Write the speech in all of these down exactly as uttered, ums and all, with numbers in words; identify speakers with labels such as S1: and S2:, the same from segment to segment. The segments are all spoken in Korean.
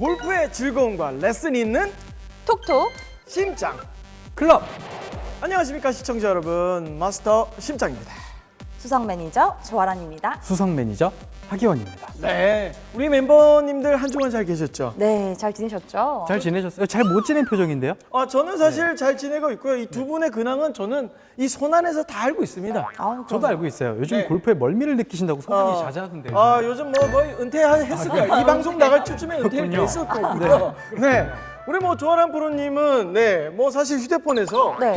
S1: 골프의 즐거움과 레슨이 있는
S2: 톡톡
S1: 심장
S3: 클럽.
S1: 안녕하십니까 시청자 여러분, 마스터 심장입니다.
S2: 수석 매니저 조아란입니다.
S3: 수석 매니저 하기원입니다.
S1: 네, 우리 멤버님들 한 주간 잘 계셨죠?
S2: 네, 잘 지내셨죠?
S3: 잘 지내셨어요? 잘 못 지낸 표정인데요?
S1: 아, 저는 사실 잘 지내고 있고요. 이 두 분의 근황은 저는 이 손 안에서 다 알고 있습니다.
S2: 아우,
S3: 저도 알고 있어요. 요즘
S1: 네.
S3: 골프에 멀미를 느끼신다고 소문이
S1: 어,
S3: 자자하던데.
S1: 아, 요즘 뭐 거의 은퇴했을 거예요. 이 방송 나갈 쯤에 은퇴했을 거고요. 네. 우리 뭐 조아람 프로님은 네, 뭐 사실 휴대폰에서
S2: 네.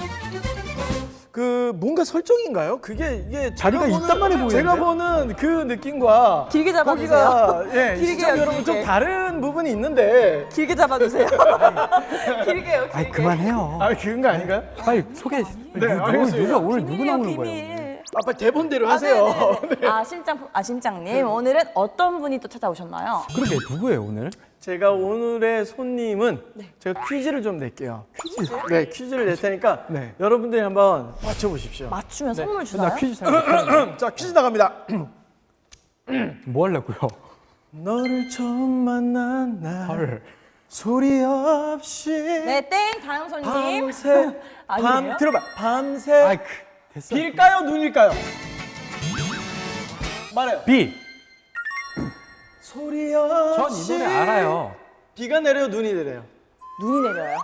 S1: 그 뭔가 설정인가요? 그게 이게
S3: 자리가
S1: 제가 보는-
S3: 이딴만해 보이는데요?
S1: 제가 보는 그 느낌과
S2: 길게 잡아주세요.
S1: 거기가 예,
S2: 길게요,
S1: 시청 여러분 좀
S2: 길게.
S1: 다른 부분이 있는데
S2: 길게 잡아주세요. 길게요, 길게.
S3: 아이 그만해요.
S1: 아, 그런 거 아닌가요?
S3: 빨리 소개.
S1: 네,
S3: 누,
S1: 알겠습니다.
S3: 누가 오늘 누구
S2: 비밀이요,
S3: 나오는 거예요?
S2: 비밀.
S1: 아빠 대본대로
S2: 아,
S1: 하세요.
S2: 네네네.
S1: 네.
S2: 아, 심장, 아, 심장님. 오늘은 어떤 분이 또 찾아오셨나요?
S3: 그러게 누구예요 오늘?
S1: 제가 오늘의 손님은 제가 퀴즈를 좀 낼게요. 퀴즈? 네, 퀴즈를 낼 테니까
S3: 네.
S1: 여러분들이 한번 맞춰보십시오.
S2: 맞추면 선물 주나요?
S3: 나 퀴즈 잘 못하는데.
S1: 자, 퀴즈 나갑니다.
S3: 뭐 하려고요?
S1: 너를 처음 만난 날
S3: 헐.
S1: 소리 없이
S2: 네, 땡. 다음 손님.
S1: 밤새 밤
S2: 아니에요?
S1: 들어봐 밤새
S3: 아이 그 됐어.
S1: 빌까요 눈일까요? 말해요.
S3: B.
S1: 소리
S3: 전
S1: 없이
S3: 이 노래 알아요.
S1: 비가 내려요 눈이 내려요?
S2: 눈이 내려요.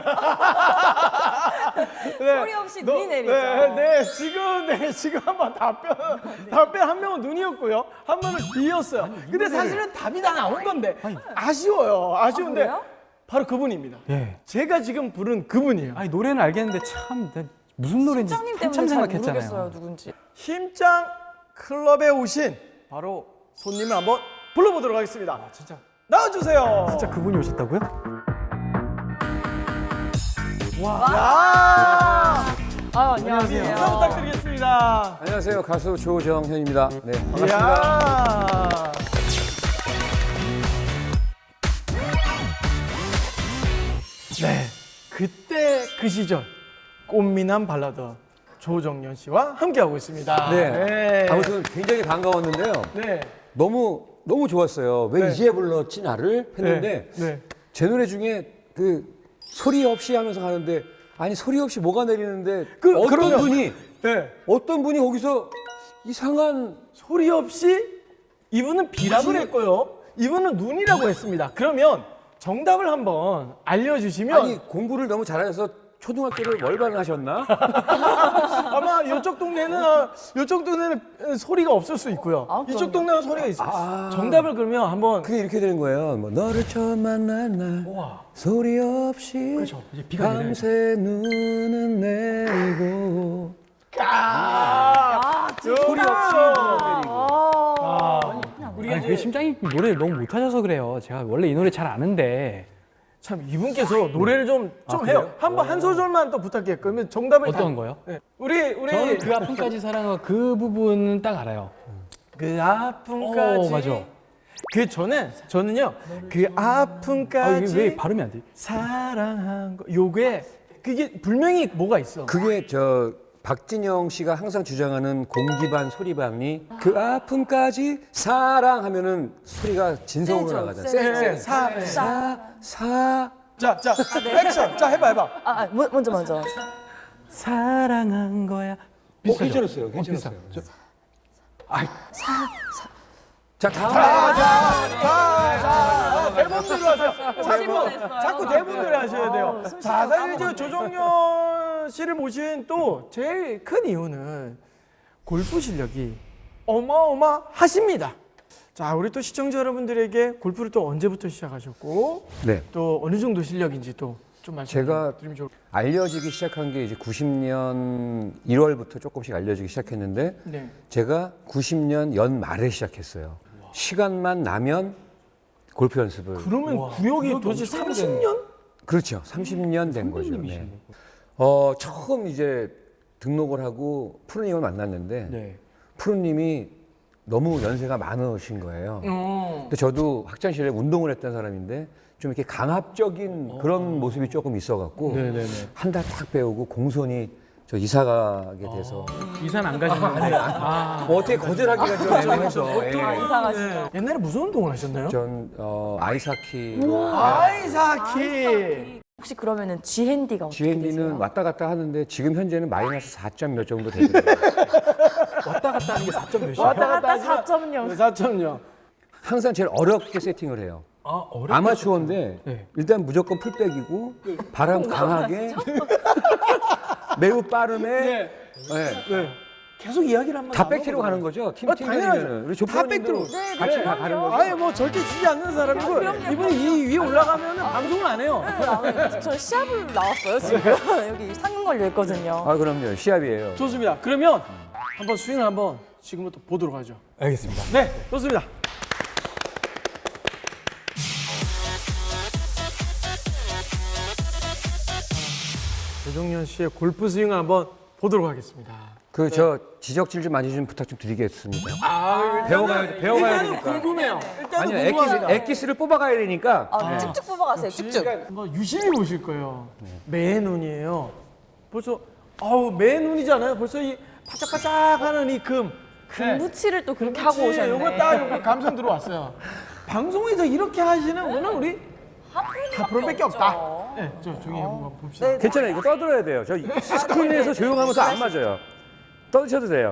S1: 네.
S2: 소리 없이
S1: 너-
S2: 눈이 내리죠.
S1: 네, 네, 지금 네 지금 한번 답변 답변 한 명은 눈이었고요, 한 명은 비였어요. 근데 사실은 답이 다 나온 건데 아쉬워요. 아쉬운데
S2: 그래요?
S1: 바로 그분입니다.
S3: 예.
S1: 제가 지금 부른 그분이에요.
S3: 아니 노래는 알겠는데 참 나 무슨 노래인지
S2: 심장님
S3: 한참
S2: 때문에 잘 모르겠어요,
S3: 생각했잖아요.
S2: 누군지.
S1: 심장 클럽에 오신 바로 손님을 한번 불러보도록 하겠습니다.
S3: 진짜
S1: 나와주세요.
S3: 진짜 그분이 오셨다고요?
S1: 야,
S2: 아,
S3: 안녕하세요.
S1: 인사 부탁드리겠습니다.
S4: 안녕하세요. 가수 조정현입니다. 네, 반갑습니다.
S1: 이야. 네, 그때 그 시절 꽃미남 발라더 조정연 씨와 함께하고 있습니다.
S4: 네. 아무튼 굉장히 반가웠는데요.
S1: 네.
S4: 너무 너무 좋았어요. 왜
S1: 네.
S4: 이제 불렀지 나를 했는데
S1: 네. 네.
S4: 제 노래 중에 그 소리 없이 하면서 가는데 아니 소리 없이 뭐가 내리는데
S1: 그-
S4: 어떤
S1: 그러면-
S4: 분이
S1: 네.
S4: 어떤 분이 거기서 이상한
S1: 소리 없이 이분은 비라고 했고요. 이분은 눈이라고 했습니다. 그러면 정답을 한번 알려주시면
S4: 아니 공부를 너무 잘하셔서 초등학교를 월반을 하셨나?
S1: 아마 이쪽 동네는 아, 이쪽 동네는 소리가 없을 수 있고요.
S2: 아,
S1: 이쪽
S2: 그럼요.
S1: 동네는 소리가 있어요.
S4: 아.
S1: 정답을 그러면 한번
S4: 그게 이렇게 되는 거예요. 뭐 너를 처음 만난 날
S1: 우와.
S4: 소리 없이
S3: 그렇죠. 이제 비가 내려야죠.
S4: 밤새 눈은 내리고
S1: 아,
S4: 소리 없이 눈은 내리고
S1: 아, 우리가
S3: 아니, 그
S1: 이제
S3: 심장이 노래를 너무 못하셔서 그래요. 제가 원래 이 노래 잘 아는데
S1: 참 이분께서 노래를 좀 좀
S3: 아,
S1: 해요.
S3: 그래요?
S1: 한번 한 소절만 또 부탁해요. 그러면 정답을
S3: 어떤
S1: 다-
S3: 거요?
S1: 네. 우리 우리
S3: 저는 그 아픔까지 사랑하고 그 부분은 딱 알아요.
S1: 그 아픔까지.
S3: 어, 맞아.
S1: 그 전에 저는요. 그
S3: 아,
S1: 아픔까지
S3: 이게 왜 발음이 안 돼?
S1: 사랑한 거. 요게 그게 분명히 뭐가 있어.
S4: 그게 저 박진영 씨가 항상 주장하는 공기반 소리반이 그 아픔까지 사랑하면은 소리가 진성으로
S2: 세죠,
S4: 나가잖아요.
S2: 세죠.
S4: 세, 세.
S1: 사, 사.
S4: 사, 사.
S1: 자, 자, 액션. 자, 해봐, 해봐.
S2: 아, 아, 뭐- 먼저, 먼저.
S3: 사랑한 거야.
S4: 어, 괜찮았어요. 괜찮았어요. 자, 다음.
S1: 자, 자, 자, 자, 대본대로 하세요. 자꾸,
S2: 뻔했어요.
S1: 자꾸 대본대로 하셔야 돼요.
S2: 숨
S1: 자,
S2: 쉬다가
S1: 사실 저 조정연 씨를 모신 또 제일 큰 이유는 골프 실력이 어마어마하십니다. 자, 우리 또 시청자 여러분들에게 골프를 또 언제부터 시작하셨고
S4: 네.
S1: 또 어느 정도 실력인지 또 좀 말씀
S4: 제가
S1: 드리면 좋을
S4: 알려지기 시작한 게 이제 구십 년 일월부터 조금씩 알려지기 시작했는데
S1: 네.
S4: 제가 구십 년 연말에 시작했어요. 시간만 나면 골프 연습을.
S1: 그러면 구역이 도대체 삼십 년?
S4: 그렇죠. 삼십 년 된 거죠. 네. 어, 처음 이제 등록을 하고 프로님을 만났는데
S3: 네.
S4: 프로님이 너무 연세가 많으신 거예요.
S1: 어.
S4: 근데 저도 학창시절에 운동을 했던 사람인데 좀 이렇게 강압적인 그런 모습이 조금 있어갖고
S3: 네네네.
S4: 한 달 딱 배우고 공손히 저 이사 가게 돼서
S3: 이사는 안 가시는데. 아,
S4: 뭐 어떻게 거절하기가 좀 애매해서 예.
S2: 아, 이상하시죠.
S1: 네. 옛날에 무슨 운동을 하셨나요?
S4: 전 어, 아이스하키로
S1: 아이사키.
S2: 혹시 그러면은 지핸디가 어떻게
S4: 지엔디는
S2: 되세요?
S4: 왔다 갔다 하는데 지금 현재는 마이너스 사 점 몇 정도 되더라고요.
S3: 왔다 갔다 하는 게 사 점 몇이에요?
S1: 왔다
S2: 갔다
S1: 하지만
S2: 사 점 영.
S1: 사 점 영.
S4: 항상 제일 어렵게 세팅을 해요.
S3: 아, 어렵다.
S4: 아마추어인데
S3: 네.
S4: 일단 무조건 풀백이고 바람 강하게 매우 빠름에
S1: 네.
S4: 네.
S1: 네. 계속 이야기를 한번
S4: 다 백티로 가는 거죠. 팀
S1: 아,
S4: 팀이면은
S1: 당연하죠.
S4: 우리
S1: 다
S4: 조프로님도
S1: 백티로.
S2: 네,
S4: 같이
S2: 네,
S4: 다 가는
S2: 그럼요.
S4: 거죠.
S1: 아예 뭐 절대 지지 않는 사람이고
S2: 그럼요,
S1: 이분이 이 위에 올라가면 방송을 안 해요.
S2: 네, 저 시합을 나왔어요 지금. 여기 상금 걸려 있거든요.
S4: 아 그럼요. 시합이에요.
S1: 좋습니다. 그러면 한번 스윙을 한번 지금부터 보도록 하죠.
S3: 알겠습니다.
S1: 네, 좋습니다. 조정현 씨의 골프 스윙을 한번 보도록 하겠습니다.
S4: 그 저 지적질 좀 많이 좀 부탁 좀 드리겠습니다.
S1: 아,
S4: 배워가야 배워가야
S1: 일단은
S4: 되니까.
S1: 궁금해요. 일단은
S4: 아니요, 엑기스,
S1: 궁금합니다.
S4: 엑기스를 뽑아가야 되니까.
S2: 아, 쭉쭉 뽑아가세요. 쭉쭉.
S1: 그러니까 뭐 유심히 보실 거예요. 매 눈이에요. 벌써 아우 매 눈이잖아요. 벌써 이 바짝바짝하는 이 금.
S2: 금붙이를 또 그렇게 하고 오셨네.
S1: 요거 딱 요거 감성 들어왔어요. 방송에서 이렇게 하시는 분은 우리 하프로밖에 없다. 네, 저 조용히 한번 봅시다.
S2: 네.
S4: 괜찮아요. 이거 떠들어야 돼요. 저 스크린에서 조용하면 더 안 맞아요. 떠드셔도 돼요.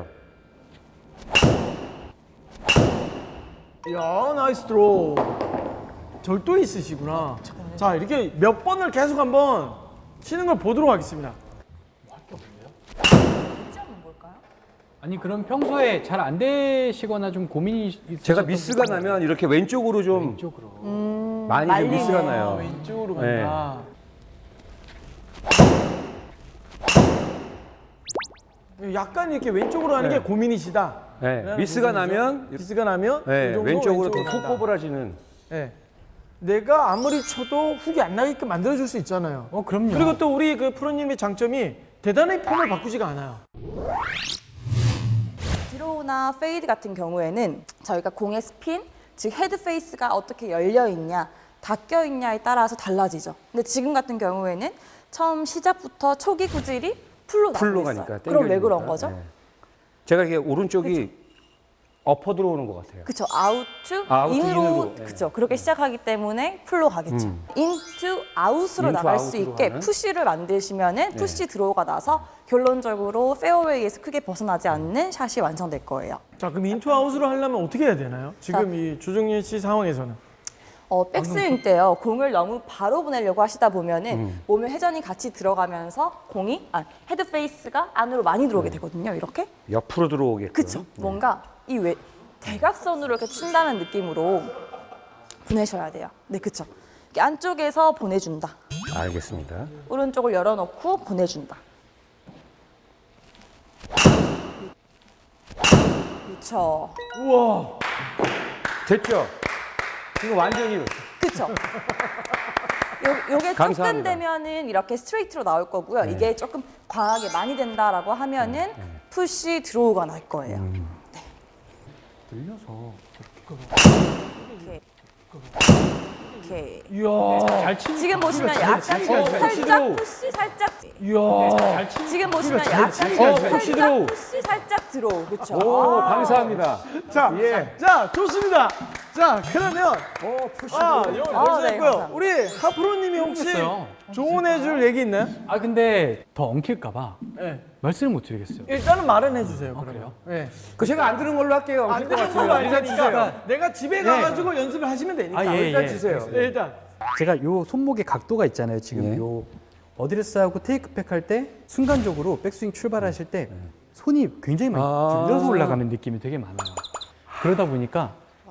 S1: 야 나이스 드로우. 절도 있으시구나. 자 이렇게 몇 번을 계속 한번 치는 걸 보도록 하겠습니다.
S3: 아니, 그럼 평소에 잘 안 되시거나 좀 고민이 있으셨던
S4: 제가 미스가
S3: 분은
S4: 나면 이렇게 왼쪽으로 좀
S3: 왼쪽으로.
S4: 많이 좀
S2: 말리네요.
S4: 미스가 나요.
S1: 왼쪽으로
S4: 네.
S1: 간다. 약간 이렇게 왼쪽으로 하는
S4: 네.
S1: 게 고민이시다.
S4: 네,
S1: 라는
S4: 미스가
S1: 부분이죠.
S4: 나면
S1: 미스가 나면
S4: 네,
S1: 이 정도
S4: 왼쪽으로 더 훅
S1: 간다.
S4: 꼬부라지는.
S1: 네. 내가 아무리 쳐도 훅이 안 나게끔 만들어줄 수 있잖아요.
S3: 어, 그럼요.
S1: 그리고 또 우리 그 프로님의 장점이 대단히 폼을 바꾸지가 않아요.
S2: 드로우나 페이드 같은 경우에는 저희가 공의 스핀, 즉 헤드 페이스가 어떻게 열려 있냐, 닫혀 있냐에 따라서 달라지죠. 근데 지금 같은 경우에는 처음 시작부터 초기 구질이 풀로 나고
S4: 풀로
S2: 있어요.
S4: 가니까.
S2: 그럼 왜
S4: 땡겨지니까.
S2: 그런 거죠?
S4: 네. 제가 이게 오른쪽이 엎어 들어오는 것 같아요.
S2: 그쵸, 아웃투,
S4: 아웃,
S2: 인으로,
S4: 인으로, 예.
S2: 그쵸. 그렇게 시작하기 때문에 풀로 가겠죠.
S4: 음.
S2: 인투, 아웃으로
S4: 인투,
S2: 나갈 수
S4: 아웃으로
S2: 있게
S4: 가는?
S2: 푸시를 만드시면은 푸시 드로우가 나서 결론적으로 페어웨이에서 크게 벗어나지 않는 샷이 완성될 거예요.
S1: 자 그럼 인투 아웃으로 하려면 어떻게 해야 되나요? 지금 이 조정현 씨 상황에서는.
S2: 어, 백스윙 때요. 공을 너무 바로 보내려고 하시다 보면은
S4: 음.
S2: 몸에 회전이 같이 들어가면서 공이 아, 헤드 페이스가 안으로 많이 들어오게 되거든요. 이렇게.
S4: 옆으로 들어오게끔.
S2: 그쵸. 뭔가 이 외, 대각선으로 이렇게 친다는 느낌으로 보내셔야 돼요. 네, 그쵸. 이렇게 안쪽에서 보내준다.
S4: 알겠습니다.
S2: 오른쪽을 열어놓고 보내준다. 그쵸.
S1: 우와.
S4: 됐죠? 이거 완전히
S2: 그쵸. 요, 요게 조금
S4: 감사합니다.
S2: 되면은 이렇게 스트레이트로 나올 거고요.
S4: 네.
S2: 이게 조금 과하게 많이 된다라고 하면은 푸시 드로우가 날 거예요.
S4: 음.
S3: 늘려서
S2: 이렇게. 이렇게.
S1: 이야.
S3: 잘 치는
S2: 지금 보시면 약간
S1: 치기가 잘
S2: 살짝
S1: 치도록.
S2: 푸시 살짝
S1: 이야.
S3: 잘 치는
S2: 지금 보시면
S1: 잘
S2: 약간
S1: 치기가 잘
S2: 살짝
S4: 치도록.
S2: 푸시 살짝 들어오 그렇죠.
S4: 오, 감사합니다.
S1: 자,
S4: 예.
S1: 자 좋습니다. 자 그러면
S4: 오, 푸시.
S1: 아 영어
S2: 아,
S1: 벌써
S2: 네,
S1: 했고요.
S2: 감사합니다.
S1: 우리 하프로님이 혹시
S3: 모르겠어요.
S1: 조언해줄 얘기 있나요?
S3: 아, 근데 더 엉킬까봐
S1: 네.
S3: 말씀을 못 드리겠어요.
S1: 일단은 말은 해주세요. 그러면.
S3: 그래요?
S1: 네.
S4: 그 제가 안 들은 걸로 할게요.
S1: 안
S4: 엉킬 것
S1: 되는
S4: 같아요.
S1: 거
S4: 일단 주세요.
S1: 알니까 내가 집에 가가지고 연습을 하시면 되니까.
S3: 아, 예,
S4: 일단
S3: 예.
S4: 주세요.
S1: 네, 일단.
S3: 제가 요 손목의 각도가 있잖아요. 지금
S4: 예.
S3: 요 어드레스하고 테이크백 할 때 순간적으로 백스윙 출발하실 때 손이 굉장히 많이
S4: 아.
S3: 들려서 올라가는 느낌이 되게 많아요. 그러다 보니까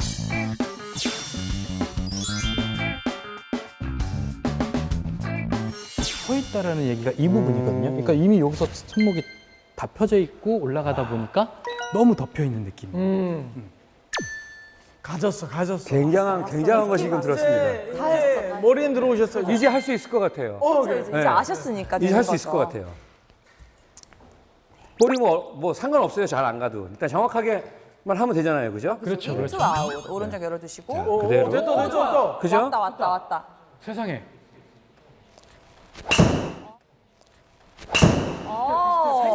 S3: 서 있다라는 얘기가 이 부분이거든요. 그러니까 이미 여기서 손목이 다 펴져 있고 올라가다 보니까 너무 덮여 있는 느낌.
S1: 음. 가졌어, 가졌어.
S4: 굉장한 굉장한 거 지금 들었습니다.
S1: 이제, 이제 머리엔 들어오셨어요.
S4: 이제 할 수 있을 것 같아요.
S1: 어,
S2: 그래서
S1: 그래.
S2: 이제
S4: 네.
S2: 아셨으니까
S4: 이제
S2: 되는
S4: 할 수
S2: 거죠.
S4: 있을 것 같아요. 볼이 뭐, 뭐 상관없어요. 잘 안 가도. 일단 정확하게만 하면 되잖아요. 그죠?
S3: 그렇죠,
S2: 인투
S3: 그렇죠.
S2: 아웃 오른쪽 열어두시고
S1: 오,
S4: 그대로.
S1: 됐다, 됐다, 됐다.
S4: 그죠?
S2: 왔다 왔다 왔다.
S3: 세상에
S2: 어.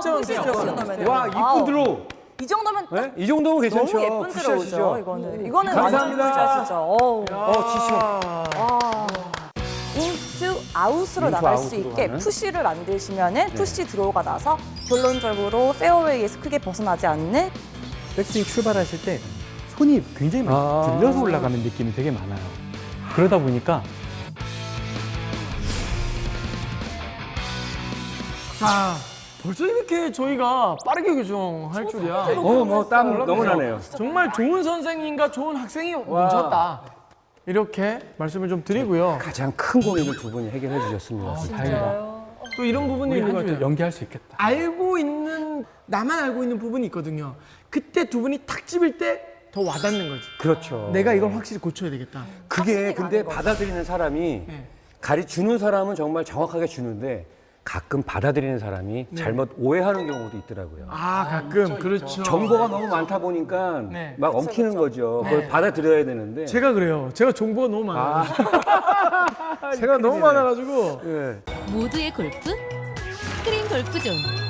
S1: 점
S2: 푸시
S1: 점.
S2: 넣으면
S4: 와, 이쁜 드로우.
S2: 이 정도면
S4: 네? 이 정도면 괜찮죠.
S2: 너무 예쁜
S4: 푸시하시죠.
S2: 드로우죠. 이거는 이거는
S4: 감사합니다.
S2: 완전 푸시하시죠. 어우.
S4: 어, 지쳐.
S1: 아,
S2: 인투 아웃으로
S4: 인투
S2: 나갈 수
S4: 아웃으로
S2: 있게
S4: 가는?
S2: 푸시를 만드시면은 푸시 드로우가 나서 결론적으로 페어웨이에서 크게 벗어나지 않는
S3: 백스윙 출발하실 때 손이 굉장히 많이
S4: 아.
S3: 들려서 올라가는 느낌이 되게 많아요. 그러다 보니까
S1: 자, 벌써 이렇게 저희가 빠르게 교정할 줄이야.
S4: 어, 뭐 땀 너무 나네요.
S1: 정말 좋은 선생님과 좋은 학생이 뭉쳤다. 이렇게 말씀을 좀 드리고요.
S4: 가장 큰 고민을 두 분이 해결해 주셨습니다.
S3: 다행이다.
S1: 또 이런 부분이
S3: 우리
S1: 있는 것
S3: 한 주
S1: 같아요.
S3: 연기할 수 있겠다.
S1: 알고 있는, 나만 알고 있는 부분이 있거든요. 그때 두 분이 탁 집을 때 더 와닿는 거지.
S4: 그렇죠.
S1: 내가 이걸 확실히 고쳐야 되겠다.
S4: 그게 근데 받아들이는 사람이
S1: 네.
S4: 가르 주는 사람은 정말 정확하게 주는데 가끔 받아들이는 사람이 잘못 오해하는 경우도 있더라고요.
S1: 아, 가끔. 그렇죠.
S4: 정보가 너무 많다 보니까
S1: 네.
S4: 막 엉키는 거죠. 그걸 받아들여야 되는데.
S1: 제가 그래요. 제가 정보가 너무 많아요.
S4: 아,
S1: 제가 너무 많아가지고.
S4: 예.
S5: 모두의 골프 스크린 골프존.